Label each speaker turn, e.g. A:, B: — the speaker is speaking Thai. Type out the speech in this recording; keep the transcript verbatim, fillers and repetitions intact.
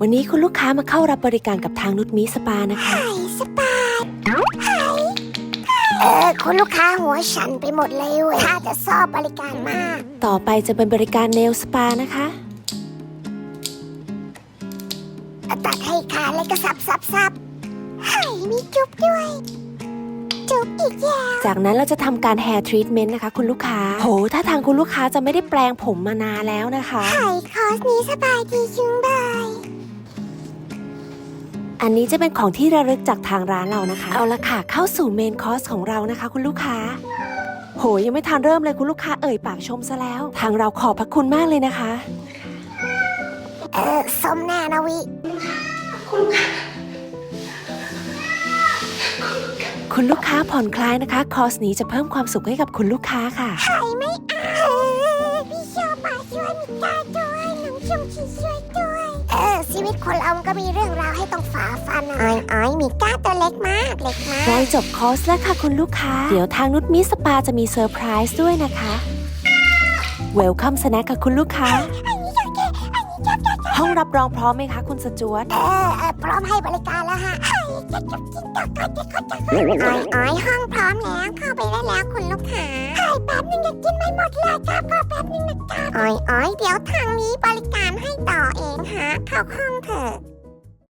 A: วันนี้คุณลูกค้ามาเข้ารับบริการกับทางนุชมีสปานะคะ
B: ไข่สปาไข่เออคุณลูกค้าหัวฉันไปหมดเลยเว้ยถ้าจะชอบบริการมาก
A: ต่อไปจะเป็นบริการเนลสปานะคะ
B: ตัดให้ขาดแล้วก็สับสับสับไข่มีจุ๊บด้วยจุ๊บอีกแล้ว
A: จากนั้นเราจะทำการแฮร์ทรีทเมนต์นะคะคุณลูกค้าโหถ้าทางคุณลูกค้าจะไม่ได้แปลงผมมานานแล้วนะคะ
B: ไข่คอร์สนี้สบายดีจุงบาย
A: อันนี้จะเป็นของที่ระลึกจากทางร้านเรานะคะเอาละค่ะเข้าสู่เมนคอร์สของเรานะคะคุณลูกค้าโหยังไม่ทันเริ่มเลยคุณลูกค้าเอ่ยปากชมซะแล้วทางเราขอบพระคุณมากเลยนะคะ
B: เออสมแน่นะวิ
A: คุณลูกค้าผ่อนคลายนะคะคอร์สนี้จะเพิ่มความสุขให้กับคุณลูกค้าค่ะ
B: ไข่ไม่เอาพี่ชอบมาช่วยมิก้าด้วยน้องชมชีช่วยด้วยเออชีวิตคนเรามันก็มีเรื่องราวให้ต้องฝ่าฟันอ้อยอ้อยมิก้าตัวเล็กมากเล็กมาก
A: ใกล้จบคอร์สแล้วค่ะคุณลูกค้าเดี๋ยวทางนุชมิสปาจะมีเซอร์ไพรส์ด้วยนะคะเวลคัมสแน็คค่ะคุณลูกค้าห้องรับรองพร้อมไหมคะคุณสจวต
B: เออเออพร้อมให้บริการแล้วฮะจะจะกินต่อก็จะก็จะอ้อยอ้อยห้องพร้อมแล้วเข้าไปได้แล้วคุณลูกค้าไข่แป๊บนึงจะกินไม่หมดเลยครับก็แป๊บนึงนะครับอ้อยอ้อยเดี๋ยวทางนี้บริการให้ต่อเองฮะเข้าห้องเถอะ